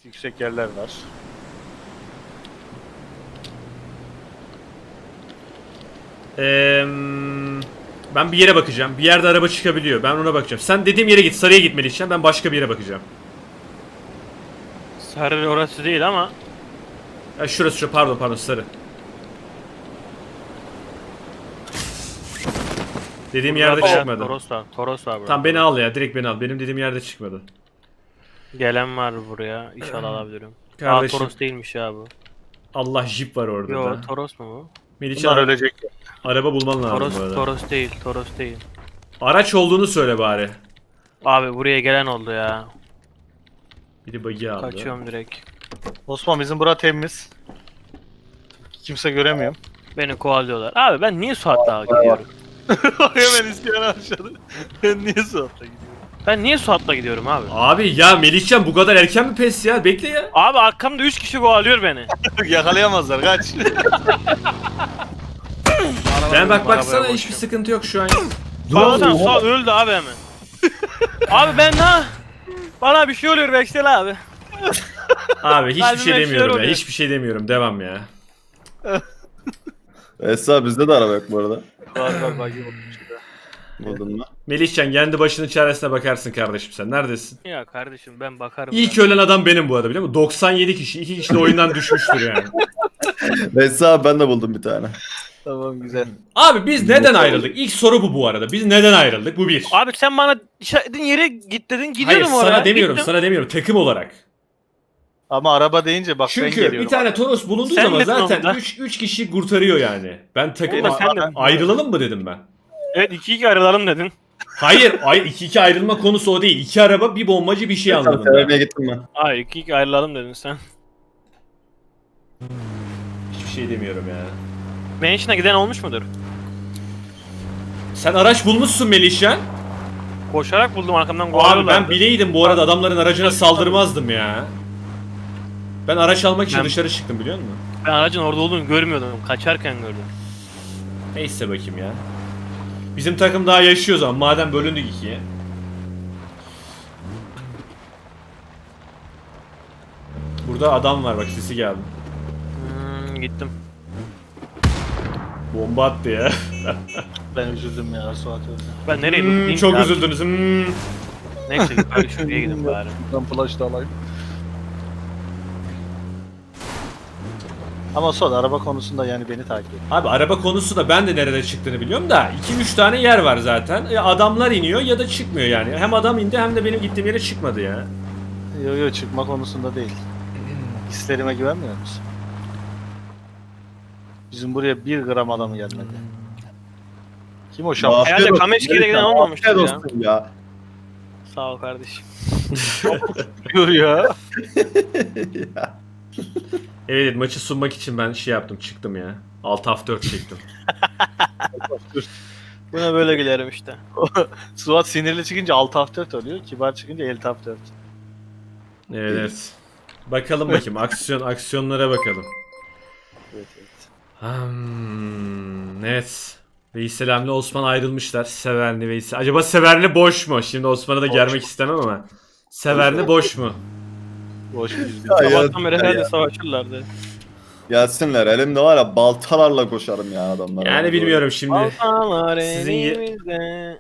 yüksek yerler var. Ben bir yere bakacağım. Bir yerde araba çıkabiliyor. Ben ona bakacağım. Sen dediğim yere git. Sarıya gitmeli için. Ben başka bir yere bakacağım. Sarı orası değil ama. Ha, şurası pardon sarı. Dediğim yerde Burada çıkmadı. Toros var. Toros var burada. Tamam beni al ya. Direkt beni al. Benim dediğim yerde çıkmadı. Gelen var buraya. İnşallah alabilirim. Kardeşim. Toros değilmiş ya bu. Allah jip var orada Yo da. Toros mu bu? Melihcan Bunlar ölecek. araba bulman lazım Toros, bu arada. Toros değil. Toros değil. Araç olduğunu söyle bari. Abi buraya gelen oldu ya. Biri bug'i aldı. Kaçıyorum direkt. Osman bizim bura temiz. Kimse göremiyor. Beni kovalıyorlar. Abi ben niye Suat Dağ'a gidiyorum? Hemen isyan aşağıda. Ben niye Suat'la gidiyorum? Ben niye Suat'la gidiyorum abi? Abi ya Melihcan bu kadar erken mi pes ya? Bekle ya. Abi arkamda 3 kişi kovalıyor beni. Yakalayamazlar kaç. Ben bak baksana Arabaya hiçbir boşum. sıkıntı yok şu an. Baksana Suat öldü abi hemen. Abi ben bana bir şey oluyor Veksel abi. Abi hiçbir Kalbime şey bir demiyorum şeyler ya. oluyor. Hiçbir şey demiyorum. Devam ya. Esra bizde de araba yok bu arada. Var bagi olmuş. Buldun mu? Melihcan kendi başının çaresine bakarsın kardeşim sen. Neredesin? Ya kardeşim ben bakarım. İlk ya. ölen adam benim bu arada biliyor musun? 97 kişi. 2 kişi de oyundan düşmüştür yani. Esra ben de buldum bir tane. Tamam güzel. Abi biz neden ayrıldık? İlk soru bu arada. Biz neden ayrıldık? Bu bir. Abi sen bana işaretlediğin yere git dedin Hayır gidiyorum oraya. sana demiyorum. Gittim. Sana demiyorum. Takım olarak. Ama araba deyince bak ben Çünkü geliyorum. bir tane Toros bulunduğu Sen zaman dedin zaten onda. 3 kişi kurtarıyor yani. Ben takım Ama sen de- ayrılalım mı dedim ben. Evet 2-2 ayrılalım dedin. Hayır, 2-2 ayrılma konusu o değil. 2 araba, bir bombacı, bir şey anladım Sevmeye ben. gittim ben. Hayır 2-2 ayrılalım dedin sen. Hiçbir şey demiyorum ya. Mansion'a giden olmuş mudur? Sen araç bulmuşsun Melihcan. Koşarak buldum arkamdan Abi kovalıyorlardı. ben bileydim bu arada adamların aracına saldırmazdım ya. Ben araç almak için Ben- dışarı çıktım biliyor musun? Ben aracın orada olduğunu görmüyordum. Kaçarken gördüm. Neyse bakayım ya. Bizim takım daha yaşıyor o zaman madem bölündük ikiye. Burada adam var bak sesi geldi. Gittim. Bomba attı ya. Ben üzüldüm ya Suat öldü. Ben nereye gideyim? Çok ya? üzüldünüz. Neyse yukarı şuraya gidin bari. Ben flash da alayım. Ama Suat araba konusunda yani beni takip et. Abi araba konusu da ben de nerede çıktığını biliyorum da 2-3 tane yer var zaten. Adamlar iniyor ya da çıkmıyor yani. Hem adam indi hem de benim gittiğim yere çıkmadı ya. Yo çıkma konusunda değil. Hislerime güvenmiyor musun? Bizim buraya 1 gram adamı gelmedi. Kim o şampiyon? Herhalde Kameşki'de giden olmamıştır ya. Dostum ya. Sağ ol kardeşim. Diyor ya. Evet maçı sunmak için ben şey yaptım çıktım ya. Alt F4 çektim. Buna böyle gülerim işte. Suat sinirli çıkınca alt F4 oluyor. Kibar çıkınca el F4. Evet. Bakalım bakayım aksiyonlara bakalım. Evet. Evet. Veysel'le Osman ayrılmışlar. Severni Veysel. Acaba Severni boş mu? Şimdi Osman'a da germek istemem ama. Severni boş mu? Boş bir yüz bin. Ya, Sabahtan beri ya. herhalde savaşırlardı. Gelsinler elimde var ya baltalarla koşarım ya adamlara. Yani bilmiyorum şimdi. Baltalar Sizin ye- elimizde.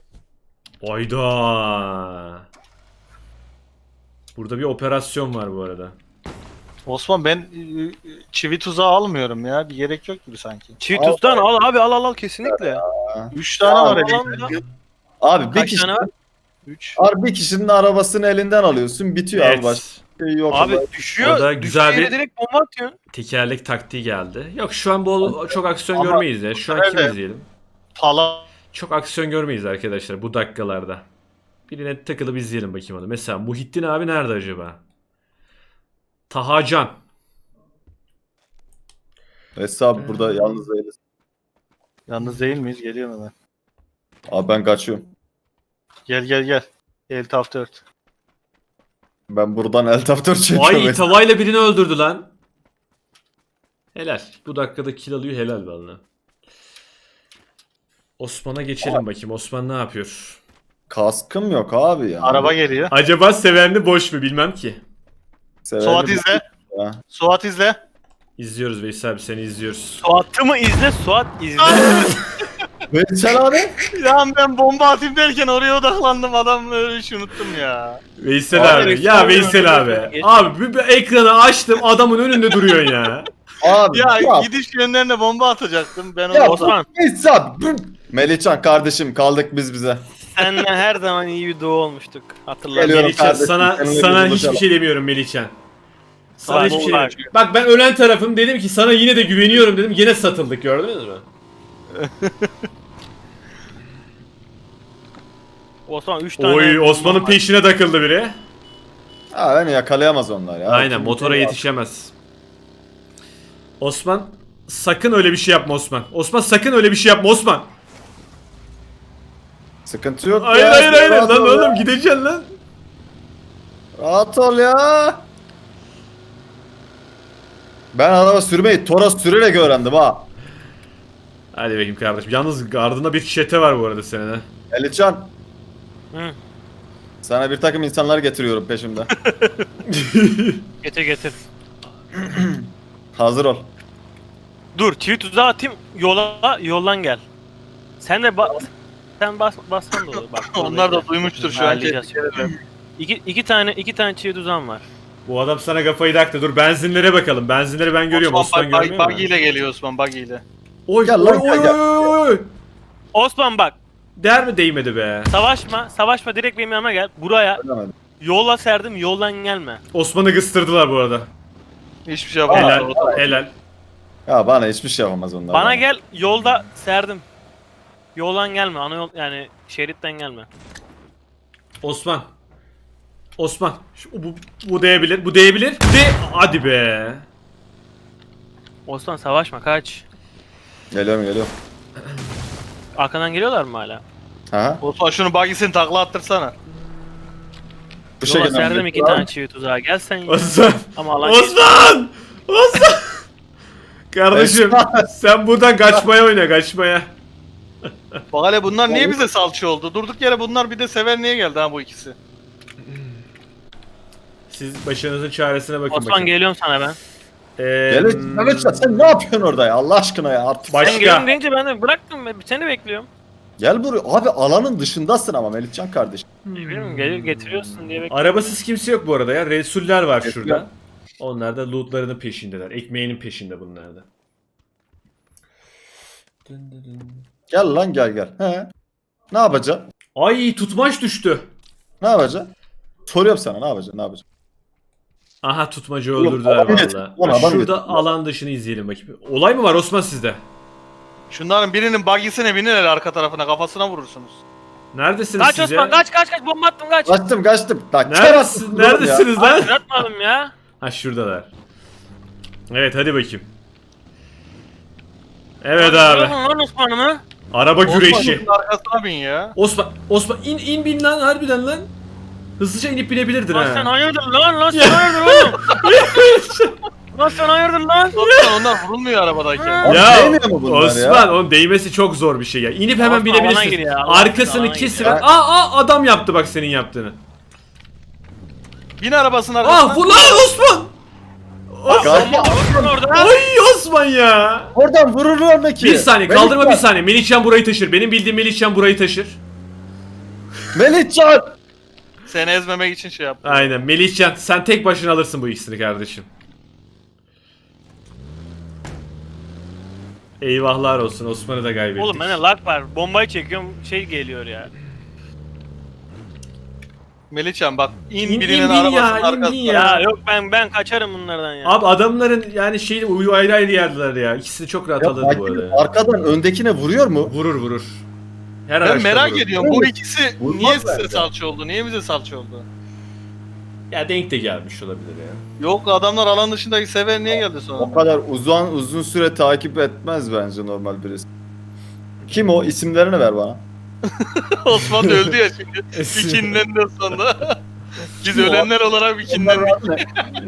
Oyda. Burada bir operasyon var bu arada. Osman ben çivi tuzağı almıyorum ya. Bir gerek yok gibi sanki. Cheetos'tan al abi al kesinlikle. 3 tane var Al, elimde. Abi bir Kaç kişi, tane var? 3. bir kişinin arabasını elinden alıyorsun bitiyor abi başka şey yok. Abi düşüyor. Orada güzel düştüğü yere bir- direkt bomba atıyorsun. Tekerlek taktiği geldi. Yok şu an çok aksiyon Ama- görmeyiz ya. Şu an kim Evet. izleyelim? Pala. Çok aksiyon görmeyiz arkadaşlar bu dakikalarda. Birine takılıp izleyelim bakayım onu. Mesela Muhittin abi nerede acaba? Tahacan. Esra abi burada yalnız değiliz. Yalnız değil miyiz? Geliyorum hemen. Abi ben kaçıyorum. Gel. El F4. Ben buradan el taftör çekiyorum. Ay tavayla birini öldürdü lan. Helal. Bu dakikada kill alıyor helal valla. Osman'a geçelim bakayım. Osman ne yapıyor? Kaskım yok abi ya. Araba geliyor. Acaba Severni boş mu bilmem ki. Severini Suat izle. Ha. Suat izle. İzliyoruz Veysel abi, seni izliyoruz. Suat'ı mı izle, Suat izle. Veysel abi. Ya ben bomba atayım derken oraya odaklandım, adam öyle hiç unuttum ya. Veysel abi. Veysel Ya abi, Veysel abi. geç. Abi bir ekranı açtım, adamın önünde duruyorsun ya. Abi Ya ya, gidiş yönlerine bomba atacaktım. Ben ya onu Osman. Veysel abi. Melihcan kardeşim kaldık biz bize. Seninle her zaman iyi bir duo olmuştuk. Hatırlar. Geliyorum. Melihcan kardeşim, sana seninle sana bir buluşalım. hiçbir şey demiyorum Melihcan. Sana Bak, hiçbir şey bak. demiyorum. Bak ben ölen tarafım, dedim ki sana yine de güveniyorum dedim. Yine satıldık, gördünüz mü? Osman 3 tane. Oy, Osman'ın peşine takıldı biri. Ha beni yakalayamaz onlar ya. Aynen, Kim motora bilir ya. yetişemez. Osman sakın öyle bir şey yapma Osman. Osman sakın öyle bir şey yapma Osman. Sıkıntı yok Hayır ya. hayır hayır rahat lan ol ya. oğlum, gideceksin lan. Rahat ol ya. Ben araba sürmeyi Toros sürerek öğrendim ha. Hadi bakayım kardeşim. Yalnız ardında bir çete var bu arada senin ha. Melihcan. Hı. Sana bir takım insanlar getiriyorum peşimde. Getir getir. Hazır ol. Dur, tweet tuzağı atayım. Yoldan gel. Sen de sen bassan da olur. Bak, onlar da duymuştur şu an. Ayarlayacağız. İki tane çiğ tuzağım var. Bu adam sana kafayı taktı. Dur benzinlere bakalım. Benzinleri ben görüyorum. Osman görmüyor Buggy mu? ile geliyor Osman, buggy ile. Oy Gel oy lan, oy gel, gel. oy oy. Osman bak, Değer mi değmedi be? savaşma, direkt benim yanıma gel. Buraya Öğrenemedim. yola serdim, yoldan gelme. Osman'ı kıstırdılar bu arada. Hiçbir şey yapamaz. Helal orada. helal. Ya bana hiçbir şey yapamaz onlar. Bana gel, yolda serdim. Yoldan gelme, ana yol yani şeritten gelme. Osman. Osman. Bu değebilir. Bu değebilir. Hadi be. Osman savaşma, kaç. Geliyorum. Arkadan geliyorlar mı hala? Ha? Osman şunu buggy'sini takla attırsana. Bu Yola şekilde. serdim 2 tane çivi tuzağı. Gel sen ya. Osman. Ama alan Osman. Osman. Kardeşim sen buradan kaçmaya oyna, kaçmaya. Bak hele bunlar niye bize salça oldu? Durduk yere bunlar bir de sever niye geldi ha bu ikisi? Siz başınızın çaresine bakın Osman bakayım. geliyorum sana ben. Melihcan sen ne yapıyorsun orada ya Allah aşkına ya artık. Başka. Sen geliyorum deyince ben de bıraktım, seni bekliyorum. Gel buraya. Abi alanın dışındasın ama Melihcan kardeşim. Bilmiyorum, getiriyorsun diye bekliyorum. Arabasız kimse yok bu arada ya. Resuller var Resuller. şurada. Onlar da lootlarının peşindeler. Ekmeğinin peşinde bunlar da. Gel lan gel. He. Ne yapacaksın? Ay, tutmaç düştü. Ne yapacaksın? Soruyorum sana ne yapacaksın? Aha, tutmacı Oğlum, öldürdüler adam getir. valla. Ulan adam Şurada getir. alan dışını izleyelim bakayım. Olay mı var Osman sizde? Şunların birinin buggy'sine binin hele, arka tarafına kafasına vurursunuz. Neredesiniz Kaç siz Osman, ya? kaç, bomba attım kaç. Kaçtım. Lan Neredesiniz, neredesiniz lan? Atmadım ya. Ha, şuradalar. Evet, hadi bakayım. Evet abi. Lan Osman'ımı. Araba güreşi. Osman'ın arkasına bin ya. Osman in bin lan, harbiden lan. Hızlıca inip binebilirdin Lan sen ha. hayırdır lan sen hayırdır oğlum. Lan sen hayırdır lan. Osman onlar vurulmuyor arabadayken. Abi Ya değmiyor mu bunlar Osman, ya? onun değmesi çok zor bir şey ya. İnip hemen Osman, alana binebilirsin. gir ya, Arkasını alana kesip gir ya. adam yaptı bak senin yaptığını. Bin arabasının arkasına. Ah, bu lan Osman. Kanka, Osman orada. Ay Osman ya. oradan vururlar mı ki? Bir saniye kaldırma, bir Melihcan. saniye. Melihcan burayı taşır. Benim bildiğim Melihcan burayı taşır. Melihcan. Seni ezmemek için şey yaptım. Aynen Melihcan, sen tek başına alırsın bu ikisini kardeşim. Eyvahlar olsun, Osman'ı da kaybettik. Oğlum bende lag var. Bombayı çekiyorum, şey geliyor ya. Melihcan bak in, İn, birinin in, bin arabasının ya, in, arkasına. bin Ya ya. yok, ben kaçarım bunlardan ya. Abi adamların yani şeyi uyu ayrı ayrı yerdiler ya. İkisini çok rahat Ya, alırdı bu arada. ya. arkadan öndekine vuruyor mu? Vurur. Her Ben araçta merak vurur. ediyorum bu ikisi Vurmaz niye size bence. salça oldu? Niye bize salça oldu? Ya denk de gelmiş olabilir ya. Yok adamlar alan dışındaki sever niye geldi sonra? O kadar uzun süre takip etmez bence normal birisi. Kim o? İsimlerini ver bana. Osman da öldü ya şimdi. Bikinlerinden sonra. Biz ölenler olarak bikinlendik.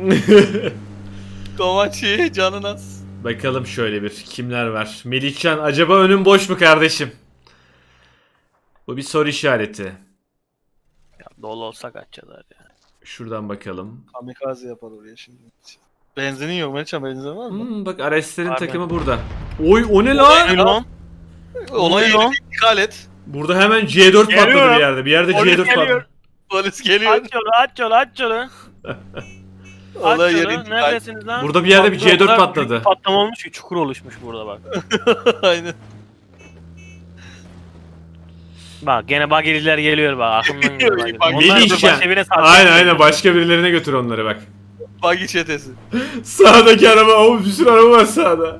Domaçi canın az. Bakalım şöyle bir kimler var. Melihcan, acaba önün boş mu kardeşim? Bu bir soru işareti. Ya dolu olsa kaçacaklar ya. Şuradan bakalım. Kamikaze yapar oraya şimdi. Benzinin yok Melihcan, benzin var mı? Bak Ares'lerin Abi. takımı burada. Oy o ne lan? Ne lan? Olay Oluyor. yerine intikal et. Burada hemen C4 patladı Geliyor. bir yerde. Bir yerde Polis C4 geliyor. patladı. Polis geliyor. Aç yolu, aç yolu, aç yolu. Aç Olay yeri yolu. intikal. Neredesiniz lan? Burada bir yerde bir Bak, burada C4 büyük patladı. bir patlama olmuş ki çukur oluşmuş burada bak. Aynen. Bak gene bageliler geliyor bak aklımdan geliyor. Geliyor, bageliler. bak, Onlar dur Melihcan. başka birine satacak. Aynen aynen başka birilerine götür onları bak. Bagi çetesi. Sağdaki araba, o bir sürü araba var sağda.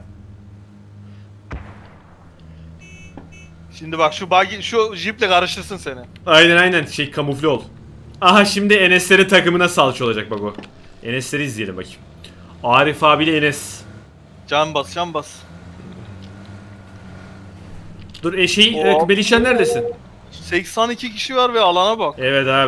Şimdi bak şu bagi, şu jiple karıştırsın seni. Aynen aynen şey kamufle ol. Aha şimdi Enes'lerin takımına salça olacak bak o. Enes'leri izleyelim bakayım. Arif abiyle Enes. Can bas, can bas. Dur Hop. Melihcan neredesin? 82 kişi var ve alana bak. Evet abi.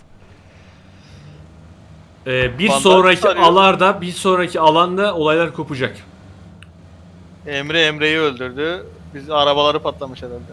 Bir Bandaj sonraki sarıyor. alarda, bir sonraki alanda olaylar kopacak. Emre'yi öldürdü. Biz arabaları patlamış herhalde.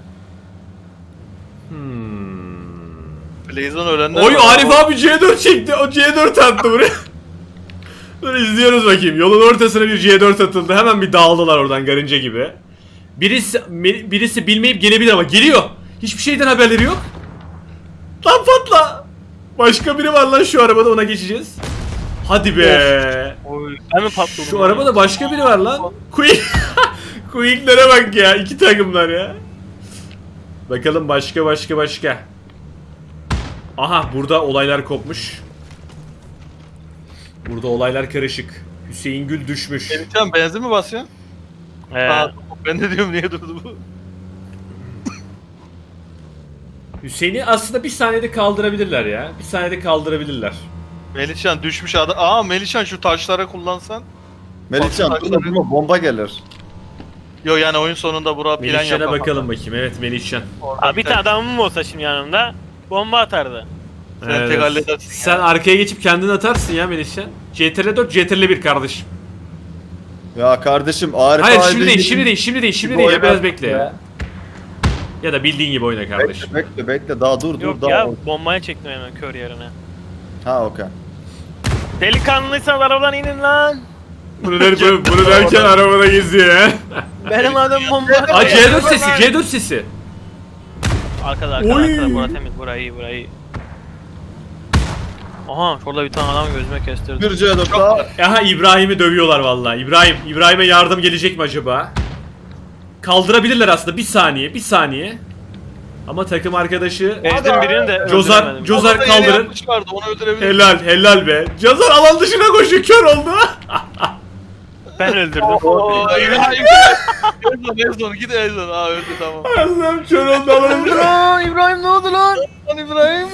Blazon ölenler Oy var. Arif abi C4 çekti. O C4 attı buraya. Dur izliyoruz bakayım. Yolun ortasına bir C4 atıldı. Hemen bir dağıldılar oradan garınca gibi. Birisi bilmeyip gelebilir ama geliyor. Hiçbir şeyden haberleri yok. Lan patla. Başka biri var lan şu arabada, ona geçeceğiz. Hadi be. Oy, ben mi patladım? Şu arabada başka biri var lan. Quick'lere bak ya. İki takımlar ya. Bakalım başka. Aha burada olaylar kopmuş. Burada olaylar karışık. Hüseyin Gül düşmüş. Melihcan benzin mi basıyorsun? He. Ben de diyorum niye durdu bu? Hüseyin'i aslında bir saniyede kaldırabilirler ya. Bir saniyede kaldırabilirler. Melihcan düşmüş adam. Aa Melihcan şu taşları kullansan. Melihcan Bak, durma bomba gelir. Yo yani oyun sonunda bura plan Melihcan'a yapamam. bakalım bakayım. Evet Melihcan. Abi bir tane adamım olsa şimdi yanımda bomba atardı. Sen tek halledersin Sen ya. arkaya geçip kendin atarsın ya Melihcan. CTRL 4, CTRL 1 kardeşim. Ya kardeşim Arif Hayır abi şimdi değil, gibi- şimdi değil gibi ya, oynar biraz bekle ya. ya. Ya da bildiğin gibi oyna kardeşim. Bekle daha dur Yok daha. ya bombaya çektim hemen kör yerine. Ha okey. Delikanlıysan arabadan inin lan. Bunu derken arabada geziyor ya. Benim adım bomba. Aa C4 sesi. Arkada Oy. bura temiz burayı iyi. Aha şurada bir tane adam gözüme kestirdi. Bir C4 daha. Aha İbrahim'i dövüyorlar vallahi. İbrahim'e yardım gelecek mi acaba? Kaldırabilirler aslında, bir saniye. Ama takım arkadaşı Ezdim birini de Cozar öldüremedim. Cozar Orada yeni kaldırın. yapmışlardı, onu öldürebilir. Helal be. Cozar alan dışına koşuyor, kör oldu. Ben öldürdüm. Oo, İbrahim. Ezon git Ezon. Aa öldü tamam. Allah'ım kör oldu alan. İbrahim ne oldu lan? Lan İbrahim.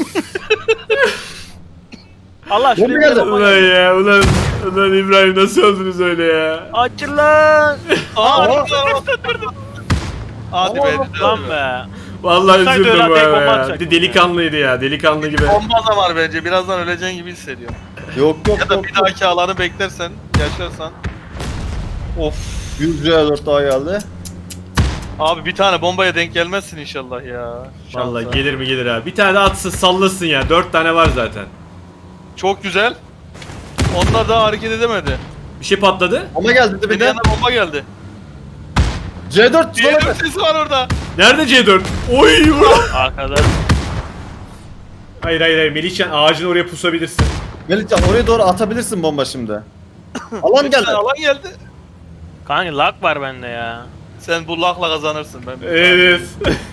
Allah Bomba şuraya geldi. bir bomba Ulan geldi. ya ulan İbrahim nasıl öldünüz öyle ya? Açın lan. Aa Aa. Hadi be. Lan be. Vallahi Olsaydı üzüldüm öyle bu tek arada bomba ya. Bir atacaktım de delikanlıydı ya, delikanlı gibi. Bomba da var bence. Birazdan öleceğin gibi hissediyorum. Yok Ya da bir dahaki alanı beklersen, yaşarsan. Of. 100 C4 daha geldi. Abi bir tane bombaya denk gelmezsin inşallah ya. Vallahi Şansa. gelir mi gelir ha. Bir tane de atsın sallasın ya. 4 tane var zaten. Çok güzel. Onlar daha hareket edemedi. Bir şey patladı. Bomba geldi Bir dibinde. yana bomba geldi. C4 C4 sesi var orada. Nerede C4? Oy ulan. Arkada. Hayır Melihcan ağacın oraya pusabilirsin. Melihcan oraya doğru atabilirsin bomba şimdi. Alan geldi. Alan geldi. Kanka lag var bende ya. Sen bu lakla kazanırsın ben. Evet.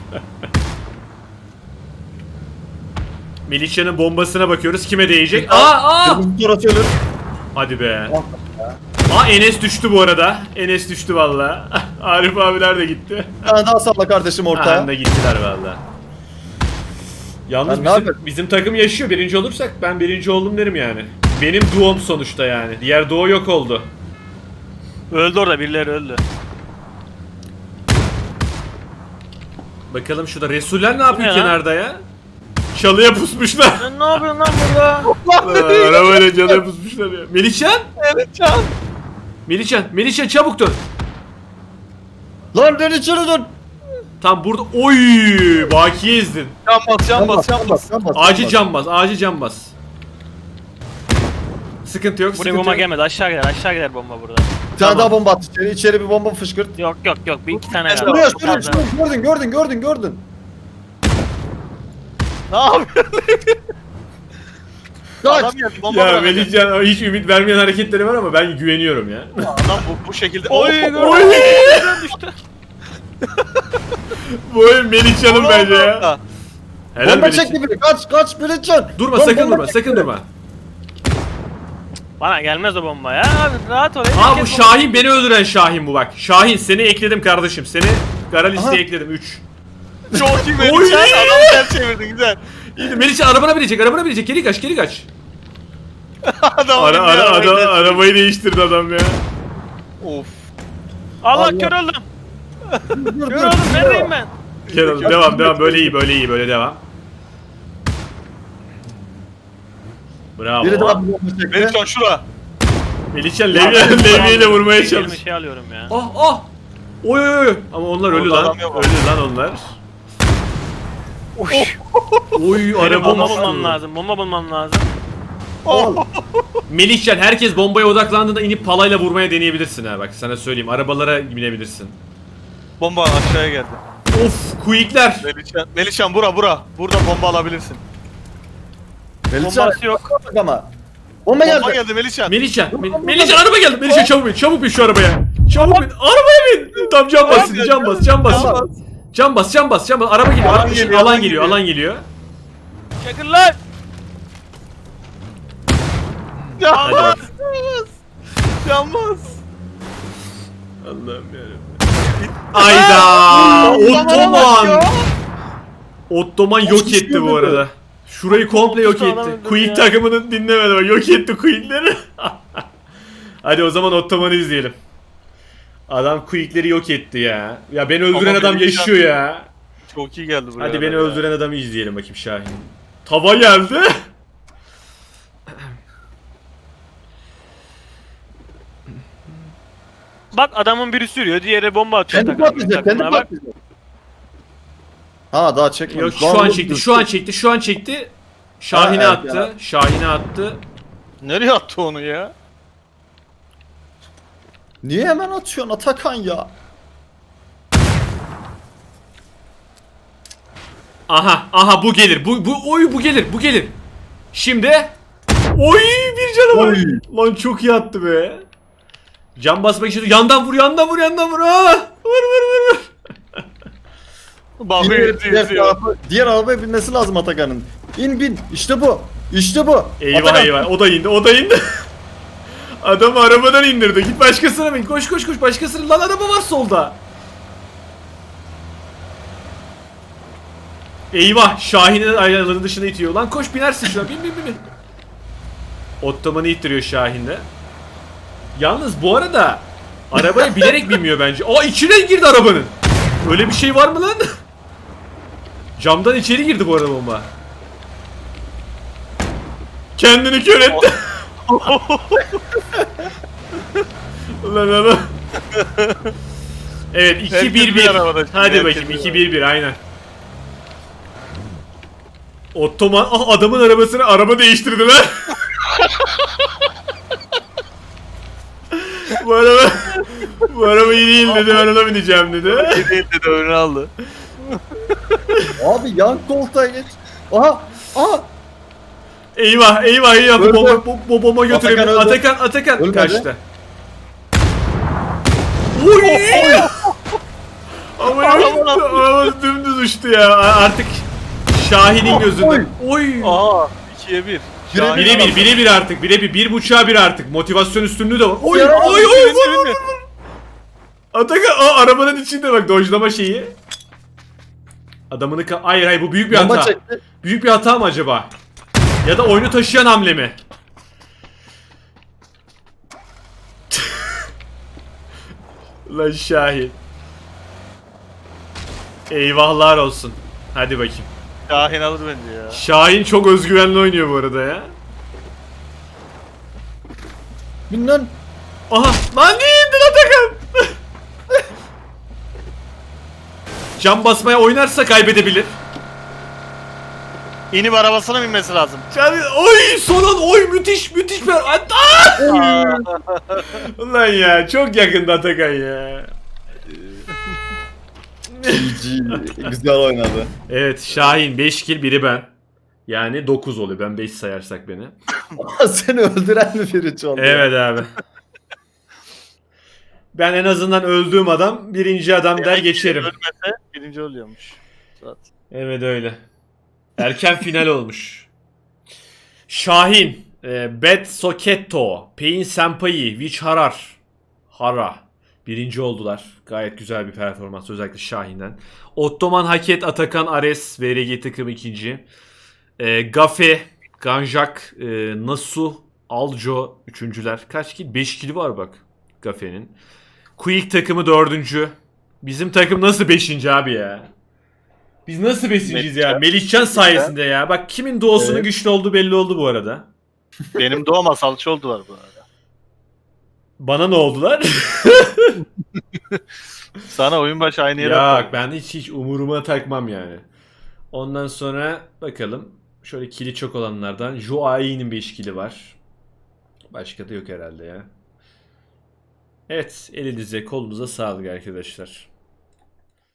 Melihcan'ın bombasına bakıyoruz. Kime değecek? Aa! Kırmızı torası ölür. Hadi be. Aa Enes düştü bu arada. Enes düştü valla. Arif abiler de gitti. Bir tane daha salla kardeşim ortaya. Anda gittiler valla. Yalnız Ben ne bizim, yapayım? bizim takım yaşıyor. Birinci olursak ben birinci oldum derim yani. Benim duom sonuçta yani. Diğer duo yok oldu. Öldü orada birileri öldü. Bakalım şurada Resuller ne yapıyor ne lan? kenarda ya? Çalıya pusmuşlar. Sen ne yapıyorsun lan burada? Arabayla çalıya pusmuşlar ya. Melihcan? Evet can. Melihcan çabuk dön. Lan dön içeri dön. Tam burada. Oy! Bakiye ezdin. Can bas. Acil cam bas. Sıkıntı yok, Buraya sıkıntı bomba yok. gelmedi. Aşağı gider bomba burada. Bir tane daha bomba at içeri. İçeri bir bomba fışkırt. Yok. Bir iki tane Buraya, kaldı. Buraya Çok fazla. gördün. Ne yapıyorsun? Kaç. Adam geldi bomba Ya bırakacak. Melihcan hiç ümit vermeyen hareketleri var ama ben güveniyorum ya. Adam bu şekilde. Oy Oy, Oy! gördüm. Düştü. Bu oyun Melihcan'ın bence ya. Helal Bomba Melihcan. çekti biri. Kaç Melihcan. Durma Lan sakın bomba durma, çekti sakın biri. durma. Bana gelmez o bomba ya. Abi rahat ol. Aa bu Şahin, beni öldüren Şahin bu bak. Şahin seni ekledim kardeşim. Seni kara Aha. listeye ekledim 3. Çok iyi Oy! Melihcan. Adam ters çevirdi güzel. İyi de Melihcan arabana binecek. Geri kaç. Adam Arabayı değiştirdi adam ya. Of. Allah Allah. kör oldum. Dur, Kör oldum. Neredeyim ben? Gel oğlum, devam böyle iyi böyle devam. Bravo. Biri daha bir bomba çekti. Melihcan şura. Melihcan levyeyle vurmaya Elime çalış. şey alıyorum ya. Ah. Oy. Ama onlar ölü Orada lan. adam yok. Ölü lan onlar. Oy Benim araba bomba bulmam lazım. Bomba bulmam lazım. Al. Melihcan herkes bombaya odaklandığında inip palayla vurmaya deneyebilirsin ha bak sana söyleyeyim. Arabalara binebilirsin. Bomba aşağıya geldi. Of quickler. Melihcan bura. Burada bomba alabilirsin. Melihcan Bombası yok. bak ama. Bomba geldi. Bomba geldi Melihcan. Melihcan araba geldi. Melihcan çabuk bin şu arabaya. Çabuk bin. Arabaya bin. Tam cam bas. Cam bas. Araba geliyor. Alan geliyor. Çakır lan. Hadi Yanmaz. bak. Yanmaz. Allah'ım yarabbim. Ayda. Ottoman yok etti bu arada. Şurayı komple yok Otuz adam etti. öldürdü Quick ya. takımını dinlemedi bak. Yok etti Quick'leri. Hadi o zaman Ottoman'ı izleyelim. Adam Quick'leri yok etti ya. Ya beni öldüren Ama adam benim yaşıyor ya. Çok iyi geldi buraya. Hadi beni ya. öldüren adamı izleyelim bakayım Şahin. Tava geldi. Bak adamın biri sürüyor. Diğeri bomba atıyor. Kendi takımına. patlayacak. Kendi Takımına bak. patlayacak. Ha daha çekmemiş. Yok Daha şu an çekti. Şahin'e Ha, evet attı. Şahin'e attı. Nereye attı onu ya? Niye hemen atıyorsun Atakan ya? Aha bu gelir. Bu gelir. Şimdi oy bir canı var. Oy. Lan çok iyi attı be. Can basmak için yandan vur. Ah! Vur. Bakıyor izliyor. Diğer arabaya binmesi lazım Atakan'ın. Bin. İşte bu. Eyvah Atakan. eyvah. O da indi. Adamı arabadan indirdi. Git başkasına bin. Koş başkasına. Lan araba var solda. Eyvah. Şahin'in ayarları dışına itiyor. Lan koş binersin şuna. Bin. Ottoman'ı ittiriyor Şahin'de. Yalnız bu arada arabaya bilerek binmiyor bence. Aa içine girdi arabanın. Öyle bir şey var mı lan? Camdan içeri girdi bu arada bomba. Kendini kör etti. Ulan. Evet Herkes bir 2-1-1. arabada şimdi, Hadi herkes bakayım bir 2-1-1 aynen. Ottoman adamın arabasını araba değiştirdiler. bu araba iyi değil dedi, ben ona bineceğim dedi. Değil dedi önüne aldı. Abi yan koltuğa geç. Aha. Eyvah Öldü. bomba götürebilir. Atakan öldü. Atakan Ölmedi. kaçtı. Oy! Ama araba dümdüz uçtu ya. Artık Şahin'in gözünde. Oy! Aha 2'ye 1. Birebir artık. Birebir. 1.5'a 1 artık. Motivasyon üstünlüğü de var. Oy! Yarabbim, Oy! Atakan arabanın içinde bak dojlama şeyi. Adamını hayır bu büyük bir Bomba hata. çekti. Büyük bir hata mı acaba? Ya da oyunu taşıyan hamle mi? Lan Şahin. Eyvahlar olsun. Hadi bakayım. Şahin alır bence ya. Şahin çok özgüvenli oynuyor bu arada ya. Bin lan. Aha lan niye indin Atakan? Cam basmaya oynarsa kaybedebilir. İnip arabasına binmesi lazım. Oy son oy müthiş müthiş bir Ulan ya çok yakında Atakan ya. GG. Güzel oynadı. Evet Şahin 5 kill biri ben. Yani 9 oluyor ben 5 sayarsak beni. Seni öldüren mi biri oldu? Evet abi. Ben en azından öldüğüm adam birinci adam der geçerim. Ölmese birinci oluyormuş. Zaten. Evet öyle. Erken final olmuş. Şahin, Bet Soketto, Pain Senpai, Vichharar, Hara. Birinci oldular. Gayet güzel bir performans özellikle Şahin'den. Ottoman Haket, Atakan Ares, VRG takım ikinci. Gafe, Ganjak, Nasu, Aljo üçüncüler. Kaç kill? 5 kill var bak Gafe'nin. Quick takımı dördüncü. Bizim takım nasıl beşinci abi ya? Biz nasıl beşinciyiz ya? Melihcan sayesinde ya. Bak kimin doğusunun Evet. güçlü olduğu belli oldu bu arada. Benim doğma salça oldular bu arada. Bana ne oldular? Sana oyun başı aynı yere Ya atladım. ben hiç umuruma takmam yani. Ondan sonra bakalım. Şöyle kili çok olanlardan. Joai'nin 5 kili var. Başka da yok herhalde ya. Evet elinize kolunuza sağlık arkadaşlar.